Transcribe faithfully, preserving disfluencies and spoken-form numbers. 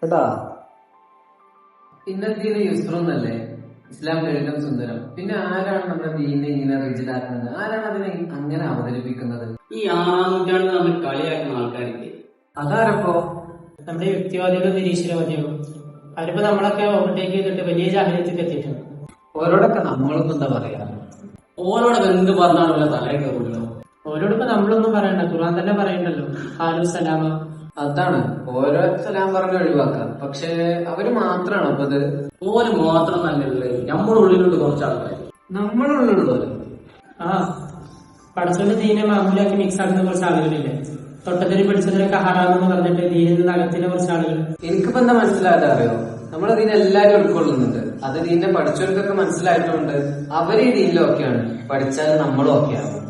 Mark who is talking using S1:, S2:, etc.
S1: കേട്ടാ. ഇന്നത്തെ യുസ്ത്രന്നല്ലേ ഇസ്ലാം ലളിതം സുന്ദരം. പിന്നെ ആരാണ് നമ്മുടെ ദീനിനെ ഇങ്ങനെ റിജിഡാക്കുന്നത്? ആരാണ് അതിനെ അങ്ങനെ അവതരിപ്പിക്കുന്നത്?
S2: ഈ ആറാം നൂറ്റാണ്ടിൽ നമ്മൾ കളിയാക്കുന്ന ആൾക്കാരില്ലേ,
S1: അതാരപ്പോ?
S3: നമ്മുടെ യുക്തിവാദികളും നിരീശ്വരവാദികളും. അവരിപ്പോ നമ്മളൊക്കെ ഓവർടേക്ക് ചെയ്തിട്ട് വലിയ ജാഗ്രതയ്ക്ക് എത്തിയിട്ടുണ്ട്.
S1: ഓരോടൊക്കെ നമ്മളിപ്പോ എന്താ പറയാ?
S2: ഓരോടൊക്കെ എന്ത് പറഞ്ഞാലും വല്ല തലേ കയറുമല്ലോ.
S3: ഓരോടിപ്പോ നമ്മളൊന്നും പറയണ്ട, ഖുർആൻ തന്നെ പറയണ്ടല്ലോ, ഹാലു സലാമ.
S1: അതാണ്, ഓരോ സലാം പറഞ്ഞ് ഒഴിവാക്കാം. പക്ഷെ അവര് മാത്രാണ് അപ്പൊ ഇത്
S2: ഓര് മാത്രം നല്ലല്ലേ, നമ്മുടെ ഉള്ളിലുള്ള കുറച്ച് ആൾക്കാർ.
S1: നമ്മളുള്ളുള്ളൂ.
S3: ആ പടച്ചോന്റെ ദീനെ മാമൂലാക്കി മിക്സ് ആക്കുന്ന കുറച്ച് ആളുകളില്ലേ, തൊട്ടതിന് പിടിച്ചതിനൊക്കെ ഹറാമെന്ന് പറഞ്ഞിട്ട് ദീനിൽ നിന്ന് അകത്തിന് കുറച്ച് ആളുകൾ.
S1: എനിക്കിപ്പോ എന്താ മനസ്സിലാകാതെ അറിയോ, നമ്മളതിനെ എല്ലാരും ഉൾക്കൊള്ളുന്നുണ്ട്. അത് ദീനെ പഠിച്ചവർക്കൊക്കെ മനസ്സിലായിട്ടുണ്ട്. അവര് ഈ ദീനിലൊക്കെയാണ്, പഠിച്ചാൽ നമ്മളും ഒക്കെയാണ്.